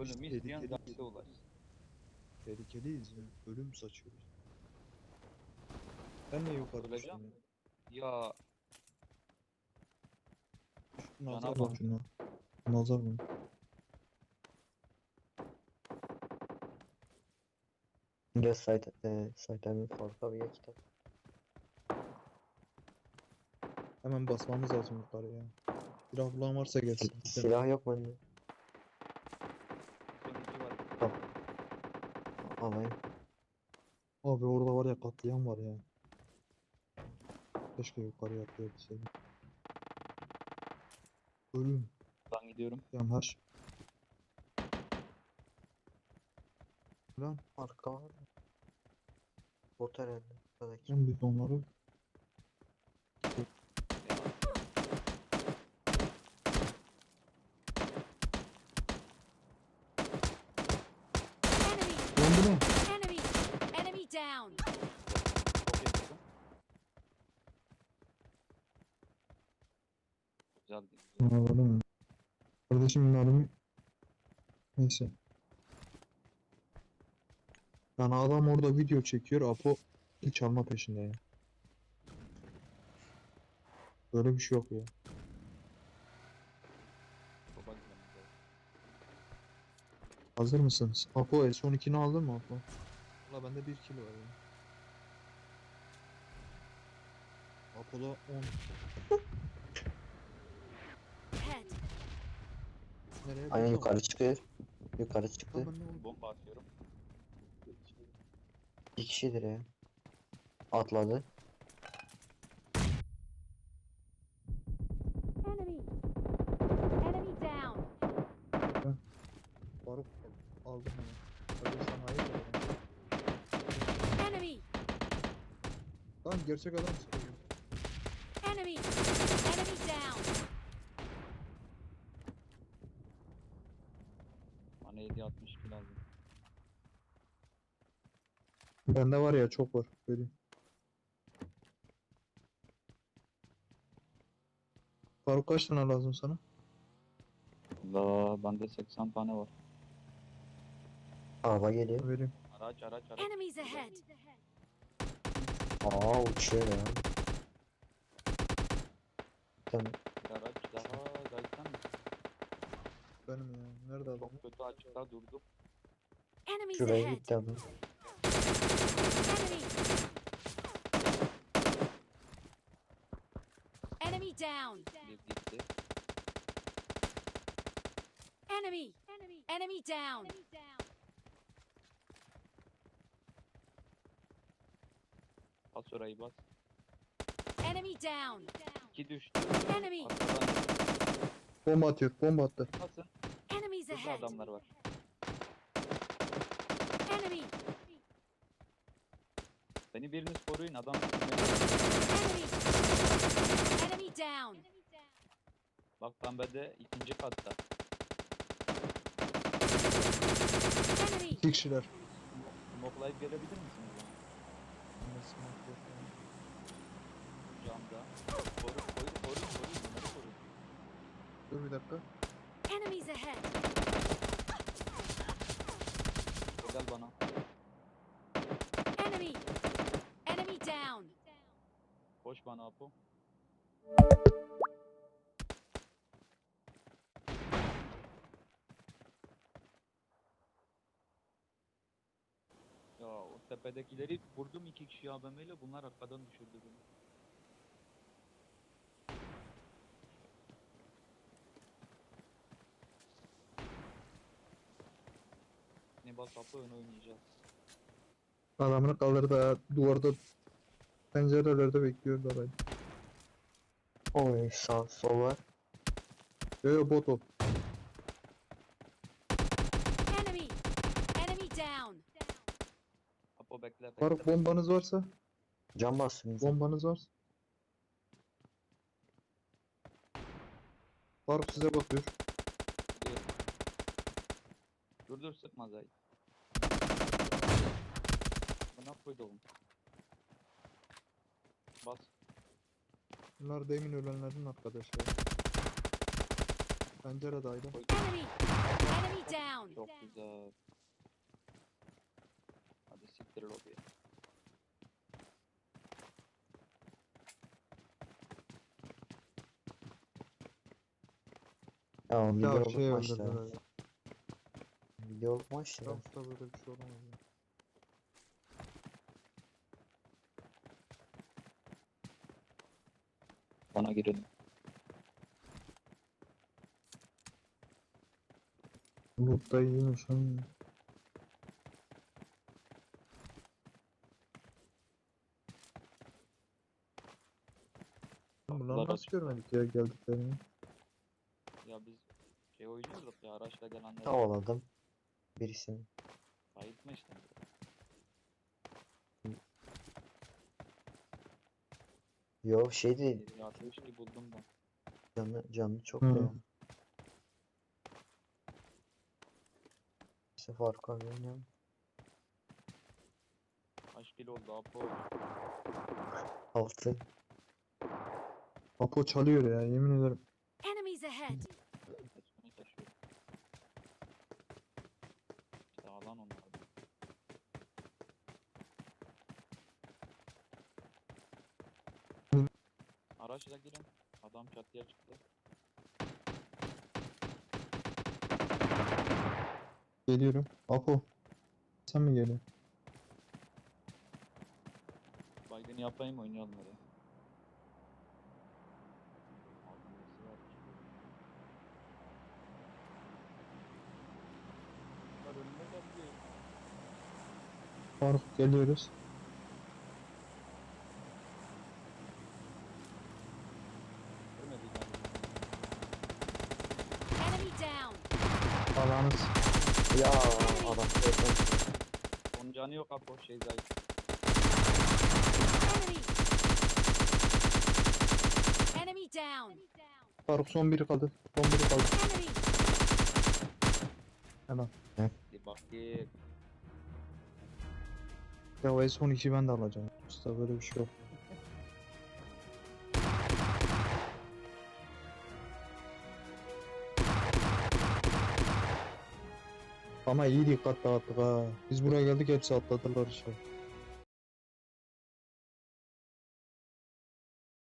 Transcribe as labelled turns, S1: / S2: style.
S1: Ölümü isteyen
S2: tehlikeliyiz.
S1: zahide ulaşsın.
S2: Tehlikeliyiz ya. Ölüm saçıyoruz. Ben niye yukarı
S1: Öleceğim.
S2: düştüm
S1: Ya
S2: ya? Nazar
S1: Cana
S2: bak
S1: bak.
S2: şuna. Nazar mı?
S3: Gel site farka bir kitap.
S2: Hemen basmamız lazım yukarıya. Silah bulan varsa gelsin. Gidelim.
S3: Silah yok bende.
S1: sonuncu var.
S3: Alayım.
S2: Abi orada var ya, katliam var ya. Keşke yukarıya atlayabilseydim. Ölüm.
S1: Ben gidiyorum.
S2: Yani her şey. Lan
S3: Arka var mı? Bot herhalde. Buradaki.
S2: ben biz onları
S4: Enemy!
S2: döndü mü?
S4: Enemy! Enemy down!
S1: Çok yakın. Güzel değil.
S2: Anladın mı? Kardeşim mermi. Neyse. Yani adam orada video çekiyor. Apo çalma peşinde ya. Böyle bir şey yok ya.
S1: Baba güzel.
S2: Hazır mısınız? Apo S12'ni aldın mı Apo? Valla bende 1 kilo var ya. Apo'da 10.
S4: Head!
S2: Nereye?
S3: Aynen
S2: Burada mı?
S3: yukarı çıkıyor. Yukarı çıktı.
S2: Tamam, ben ne oldu?
S1: Bomba atıyorum.
S3: İki kişidir ya. Atladı.
S4: Enemy! Enemy down!
S2: Faruk aldım hemen. Hadi sen hayır ya.
S4: Enemy!
S2: Lan gerçek adam sıkıyor.
S4: Enemy! Enemy down!
S1: Bana 7.62 lazım.
S2: Bende var ya, çok var. Vereyim. Faruk kaç tane lazım sana?
S1: La bende 80 tane var.
S3: Araba geliyor.
S2: Vereyim.
S1: Araç.
S4: Enemies ahead!
S3: Aa uçuyor ya. Tamam.
S1: Bir araç daha gelsen mi?
S2: Benim ya. Nerede adam?
S1: Çok kötü açıkta durdum.
S4: Enemies
S3: Şuraya
S4: ahead!
S3: gitti adam.
S4: Enemy! Enemy down!
S1: Bir gitti.
S4: Enemy! Enemy down!
S1: Bas orayı bas.
S4: Enemy down!
S1: 2 düştü.
S4: Enemy!
S1: Arkadan
S2: Bomba atıyor. Bomba attı.
S1: basın.
S4: Enemies
S1: Burada
S4: ahead!
S1: adamlar var.
S4: Enemy!
S1: Beni biriniz koruyun adam.
S4: Enemy! Enemy down!
S1: Bak pembede ikinci katta.
S4: Enemy!
S2: 2 kişiler.
S1: Smoklayıp gelebilir misiniz bana? Camda. Koru. Bunları koru.
S2: Dur bir dakika.
S4: Enemies ahead!
S1: Gel bana.
S4: Enemy! Enemy down!
S1: Koş bana Apo. Ya o tepedekileri vurdum 2 kişi AVM'yle, bunlar arkadan düşürdü beni. Ne bas Apo, ön oynayacağız.
S2: Adamını kaldırdı. Duvarda, pencerelerde bekliyorlar. Hadi.
S3: Oy sağ sol var.
S2: Yo bot o.
S4: Enemy! Enemy down!
S1: Apo bekle.
S2: Faruk bombanız varsa.
S3: Cam bastım.
S2: Bombanız varsa. Faruk size bakıyor.
S1: Dur sıkma Zahit. Buna koydum. Bas.
S2: Bunlar demin ölenlerin arkadaşları. Penceredeydi.
S4: Enemy! Enemy down!
S1: Çok güzel. Hadi siktir lobiye.
S3: Ya
S2: Ya
S3: videoluk
S2: şey
S3: maçta.
S2: öldürdüler.
S3: Videoluk maçta.
S2: Yoksa böyle bir şey olamaz ya.
S1: Bana girelim.
S2: Loot da iyiymiş ha. Bunları
S1: Kapılar
S2: nasıl
S1: açık.
S2: görmedik ya geldiklerini?
S1: Ya biz şey oynuyorduk ya, araçla gelenleri
S3: Tavaladım birisini.
S1: bayıltma işte.
S3: Yo şey değil.
S1: 62 buldum ben.
S3: Canlı çok
S2: Hı.
S3: da ya. İşte Faruk abi oynuyor.
S1: Kaç kilo oldu Apo?
S3: 6.
S2: Apo çalıyor ya yemin ederim.
S4: Enemies ahead!
S1: Kaçmaya taşıyor. İşte alan onlar.
S2: Hı.
S1: Araçla girin. Adam çatıya çıktı.
S2: Geliyorum. Apo. Sen mi geliyorsun?
S1: Baygın yapayım, oynayalım hadi. Altı var. Bunlar önüne geldi.
S2: Faruk geliyoruz.
S1: Görmedi yani.
S4: Enemy down!
S2: Alanız.
S3: Ya adam zaten
S1: Onun canı yok Apo, şey zayıf.
S4: Enemy! Enemy down!
S2: Faruk son biri kaldı. Son biri kaldı.
S4: Enemy!
S2: Hemen.
S1: Bir bakayım.
S2: Ya o S12'yi ben de alacağım. Usta böyle bir şey yok. Ama iyi dikkat dağıttık ha. Biz buraya geldik hepsi atladılar işte.